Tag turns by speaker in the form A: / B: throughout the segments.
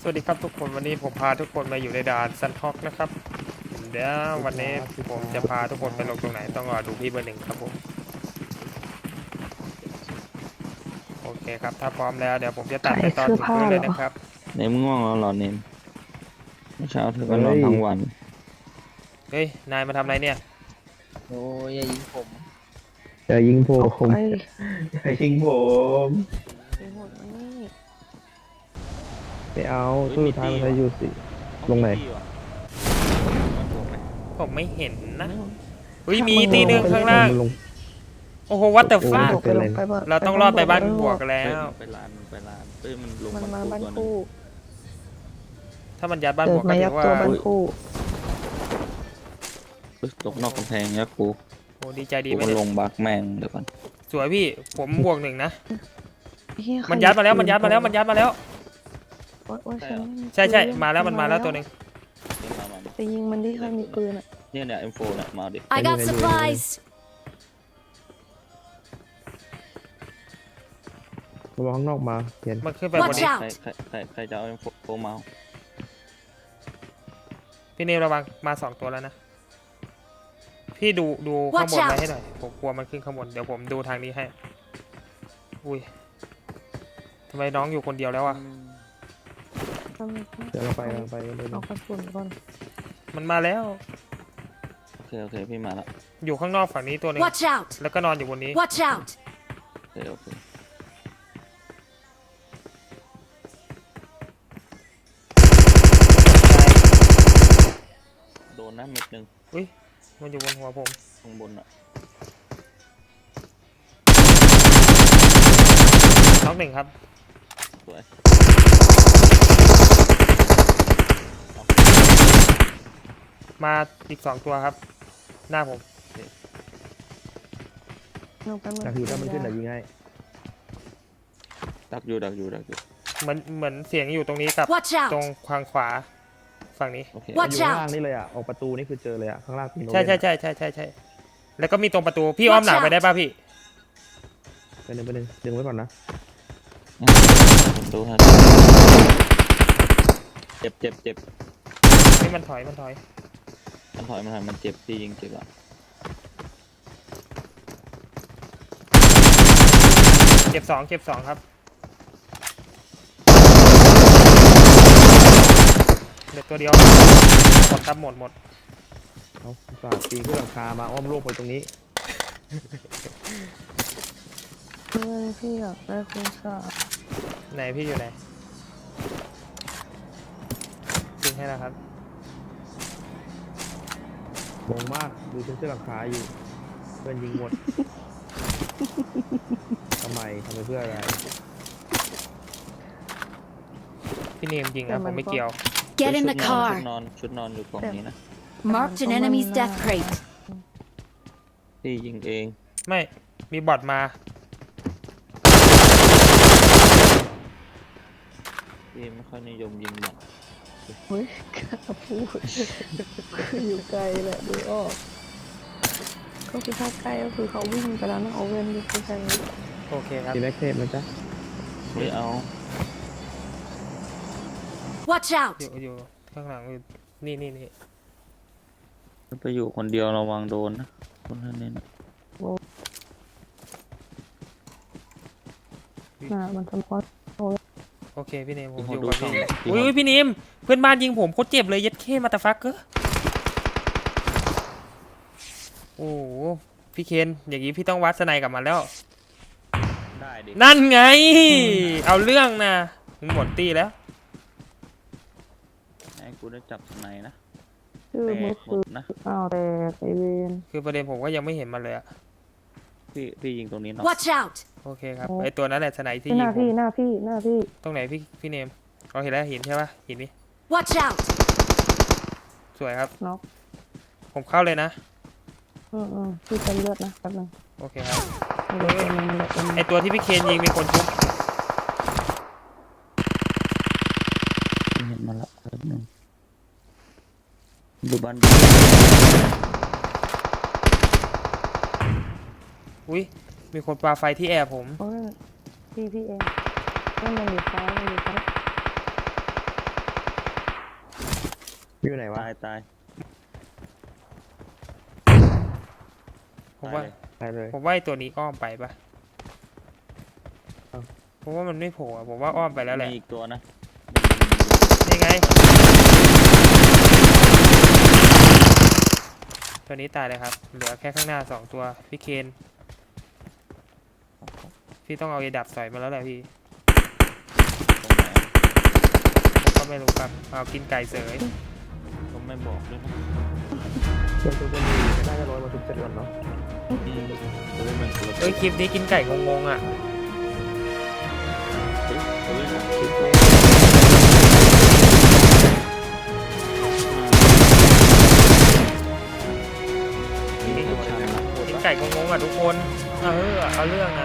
A: สวัสดีครับทุกคนวันนี้ผมพาทุกคนมาอยู่ในด่านซันฮอกนะครับเดี๋ยววันนี้ผมจะพาทุกคนไปลงตรงไหนต้องรอดูพี่เบอร์หนึ่งครับผมโอเคครับถ้าพร้อมแล้วเดี๋ยวผมจะตัดไปตอนถึงนู้นเลยนะครับ
B: เนมง่วงแล้วเหรอเนมเมื่อเช้าเธอก็นอนทั้งวัน
A: เฮ้ยนายมาทำอะไรเนี่ย
C: โอ้ยอย่ายิงผม
D: จะยิงผม
E: ไอ้
D: จะยิงผม
E: ไอ้หมดนี่
D: ไม่เอาสู้ท้ายมันใช้อยู่สิลงไหน
A: ผมไม่เห็นนะเฮ้ยมีตีหนึ่งข้างล่างโอ้โหวัตเตอร์ฟ้าเราต้องรอดไปบ้านบวกแล้ว
B: ไปร้านเอ้ยมันลง
E: มันมาบ้าน
B: ตัวนึง
E: คู่
A: ถ้ามันยัดบ้าน
E: เกิ
A: บ
E: ด
A: วก
E: มา
A: ก็
E: ยั
A: ถื
E: ก
A: อว่า
E: ตัวบ้านคู่
B: ตกนอกกำแพงยักษ์กู
A: โอ้ดีใจดี
B: กู
A: ไหม
B: มัน
A: เนี่ย
B: ลงบักแม่งเดี๋ยวก่อน
A: สวยพี่ผมบวกหนึ่งนะ
E: เหี้ย
A: มันยัดมาแล้วมันยัดมาแล้วมันยัดมาแล้ว
E: โอ๊ยโอ๊ยฉันไม่มี
A: ใช่ใช่
E: ปืน
A: มาแล้วมันมาแล้วตัวหนึ่ง
B: เดี๋ยวมา
E: ไปยิงมันที่ใครมีปืนอ่ะ
B: เนี่ย M4 เนี่ยมาดิ
F: I got supplies.
D: ระวังข้างนอกมาเห็น
A: มันขึ้นไปบน
F: Watch
A: นี้
F: out
B: ใครจะเอา M4 มา
A: พี่เนมระวังมา2ตัวแล้วนะพี่ดูข้างบน
F: Watch out
A: ไว้ให้หน่อยผมกลัวมันขึ้นข้างบนเดี๋ยวผมดูทางนี้ให้อุ้ยทำไมน้องอยู่คนเดียวแล้วอ่ะ
D: เดี๋ยวเราไปเลย
E: เอากระสุนก่อน
A: มันมาแล้ว
B: โอเคพี่มาละ
A: อยู่ข้างนอกฝั่งนี้ตัวหนึง
F: Watch out.
A: แล้วก็นอนอยู่บนนี้
F: Watch out.
B: โอเคโดนนะเม็ดหนึ่ง
A: อุ้ยมันอยู่บนหัวผม
B: ข้างบนอ่ะ
A: น้องหนึ่งครับ
B: สวย
A: มาอีก2ตัวครับ หน้าผม
E: เอาไป
D: จากที่ถ้ามันขึ้นเดี๋ยวยิงให้
B: ดักอยู่
A: เหมือนเสียงอยู่ตรงนี้กับ
F: Watch
A: ตรง
F: out.
A: ทางขวาฝั่งนี้
B: โอเค
D: อ
F: Watch
D: ยู่ข้าง
F: out.
D: ล่างนี่เลยอ่ะออกประตูนี่คือเจอเลยอ่ะข้างล่างปีน
A: ใช่แล้วก็มีตรงประตูพี่อ้อมหลังไปได้ป่ะพี่
D: ไปหนึ่งดึงไว้ก่อนนะ
B: ผมดูให้เจ็บ
A: นี่มันถอย
B: มันถอยมันเจ็บพี่ยิงเจ็บอ่ะ
A: เก็บสองครับเด็กตัวเดียวหมดครับหมด
D: เอาสาดปีนขึ้นหลังคามาอ้อมโลกไปตรงนี้
E: เพื่อนพี่อยากได้คุณสา
A: ไหนพี่อยู่ไหนยิงให้แล้วครับ
D: มองมากดูขึ้นหลังคาอยู่เพื่อนยิงหมดทำไมเพื่ออะไร
A: พี่เนมยิงนะผมไม่เกี่ยว
F: Get in the
B: ชุ
F: car.
B: ดนอนอยู่กล่องนี้นะ
F: Marked an enemy's death crate.
B: พี่ยิงเอง
A: ไม่มีบอทมา
B: พี่ไม่ค่อยนิยมยิงหรอก
E: เฮ้ยกล้าพูดคืออยู่ไกลแหละดูออกก็คือถ้าใกล้ก็คือเขาวิ่งไปแล้วนะเอาเว้นดูคือใคร
A: โอเคครับ
D: ตีแม็กเทปนะจ๊ะ
B: ไม่เอา
F: Watch out.
A: อยู่ข้างหลังอยู่นี่
B: ไปอยู่คนเดียวระวังโดนนะคนท่านนี้นะ
E: มันสะท้อน
A: โอเคพี่เนมผม
B: พี่
A: อ
B: เขา
A: ยู่
B: ดู
A: กับ
B: ช่อง
A: พี่อุ้ยพี่เนมเพื่อนบ้านยิงผมโคตรเจ็บเลยยัดเข้มาตาฟักเกอร์โอ้โหพี่เคนอย่างนี้พี่ต้องวัดสไนกับมันแล้ว
B: ได้ดิ
A: นั่นไง เอาเรื่องนะหมดตีแล้ว
B: ให้กูได้จับสไนนะ
E: ชื่อ
B: แต
E: มือก
B: หม
E: คือ
B: ดนะ
E: อ้าวแต่ไอเวน
A: คือประเด็นผมก็ยังไม่เห็นมันเลยอะ
B: พี่ยิงตรงนี้เนาะ
F: Watch out.
A: โอเคครับไอตัวนั้นแหละสไนที่
E: ห
A: ยิ
E: น้าง
A: ผ
E: พี่
A: ม
E: หน้าพี่
A: ตรงไหนพี่เนมเราเห็นแล้วเห็นใช่ปะเห็นนี่
F: Watch out.
A: สวยครับ
E: น็อก
A: ผมเข้าเลยนะ
E: พี่จะเลือดนะแป๊บนึง
A: โอเคครับ
E: มันเหลือตัวนึงมันเหลือตัวนึง
A: ไอตัวที่พี่เคนยิงมีคนทุบ
B: เห็นมาละแป๊บนึงดูบ้าน
A: อุ้ยมีคนปาไฟที่แอร์ผม
E: โอ้ยพี่เองนั่นมันอยู่ซ้าย
D: อยู่ไหนวะ
B: ตายตาย
A: ผมว่า
B: ตายเลย
D: ไปเลย
A: ผมว่าไอ้ตัวนี้อ้อมไปปะ
D: เอ้า
A: ผมว่ามันไม่โผล่อะผมว่าอ้อมไปแล้วแหละ
B: มีอีกตัวนะ
A: นี่ไง ตัวนี้ตายเลยครับ เหลือแค่ข้างหน้า2ตัวพี่เคนพี่ต้องเอาไอ้ดับสอยมาแล้วแหละพี่
B: ตรงไหน
A: ผมก็ไม่รู้ครับเอากินไก่เสย
B: ก็ไม่บอกด้วยนะ
D: เพื่อนตัวจะมีก็น่าจะร้อยมาทุกเจ็ดวันเนาะ
B: จะได้เหมือนคนละ
A: เอ้ยคลิปนี้กินไก่งงๆอ่ะ
B: จะได้เหมือนคลิป
A: นี่
B: ตัวชันนะ
A: กินไก่งงๆอ่ะทุกคน เอาเรื่องนะ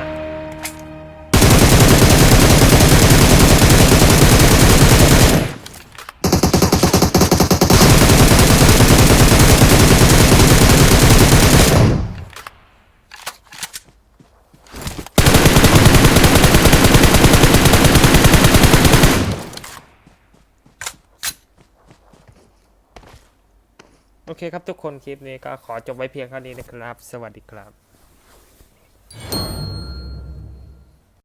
A: โอเคครับทุกคนคลิปนี้ก็ขอจบไว้เพียงเท่านี้นะครับ สวัสดีครับ